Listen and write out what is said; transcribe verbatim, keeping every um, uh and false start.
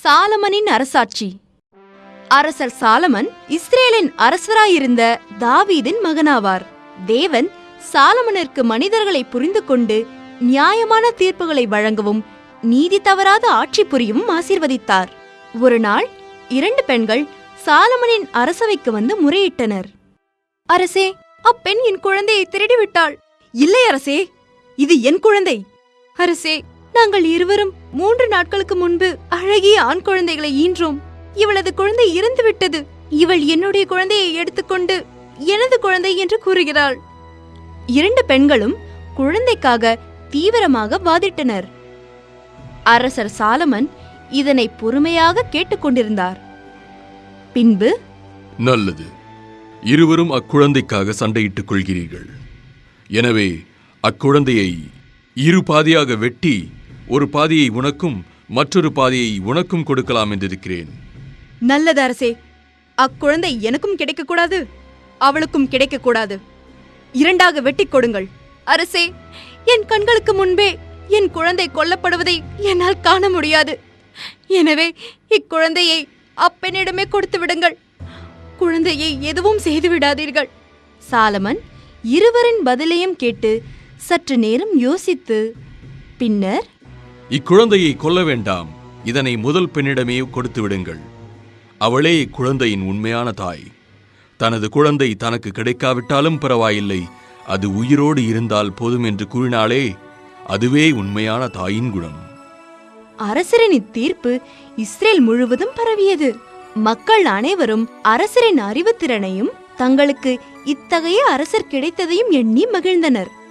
சாலமனின் அரசாட்சி. அரசர் சாலமன் இஸ்ரேலின் அரசராயிருந்த தாவீதின் மகனாவார். தேவன் சாலமனிற்கு மனிதர்களை புரிந்து கொண்டு நியாயமான தீர்ப்புகளை வழங்கவும் நீதி தவறாத ஆட்சி புரியவும் ஆசீர்வதித்தார். ஒரு நாள் இரண்டு பெண்கள் சாலமனின் அரசவைக்கு வந்து முறையிட்டனர். அரசே, அப்பெண் என் குழந்தையை திருடிவிட்டாள். இல்லை அரசே, இது என் குழந்தை. அரசே, நாங்கள் இருவரும் மூன்று நாட்களுக்கு முன்பு அழகிய ஆண் குழந்தைகளை ஈன்றோம். இவளது குழந்தை இறந்துவிட்டது. இவள் என்னுடைய குழந்தையை எடுத்துக்கொண்டு எனது குழந்தை என்று கூறுகிறாள். இரண்டு பெண்களும் குழந்தைக்காக தீவிரமாக வாதிட்டனர். அரசர் சாலமன் இதனை பொறுமையாக கேட்டுக்கொண்டிருந்தார். பின்பு, நல்லது, இருவரும் அக்குழந்தைக்காக சண்டையிட்டுக் கொள்கிறீர்கள். எனவே அக்குழந்தையை இரு பாதியாக வெட்டி ஒரு பாதியை உனக்கும் மற்றொரு பாதியை உனக்கும் கொடுக்கலாம் என்றிருக்கிறேன். நல்லது அரசே. அக்குழந்தை எனக்கும் கிடைக்கக்கூடாது, அவளுக்கும் கிடைக்கக்கூடாது. இரண்டாக வெட்டி கொடுங்கள். அரசே, என் கண்களுக்கு முன்பே என் குழந்தை கொல்லப்படுவதை என்னால் காண முடியாது. எனவே இக்குழந்தையை அப்பெண்ணிடமே கொடுத்து விடுங்கள். குழந்தையை எதுவும் செய்து விடாதீர்கள். சாலமன் இருவரின் பதிலையும் கேட்டு சற்று நேரம் யோசித்து பின்னர், இக்குழந்தையை கொல்ல வேண்டாம், இதனை முதல் பெண்ணிடமே கொடுத்து விடுங்கள். அவளே இக்குழந்தையின் உண்மையான தாய். தனது குழந்தை தனக்கு கிடைக்காவிட்டாலும் பரவாயில்லை, அது உயிரோடு இருந்தால் போதும் என்று கூறினாலே அதுவே உண்மையான தாயின் குணம். அரசரின் இத்தீர்ப்பு இஸ்ரேல் முழுவதும் பரவியது. மக்கள் அனைவரும் அரசரின் அறிவுத்திறனையும் தங்களுக்கு இத்தகைய அரசர் கிடைத்ததையும் எண்ணி மகிழ்ந்தனர்.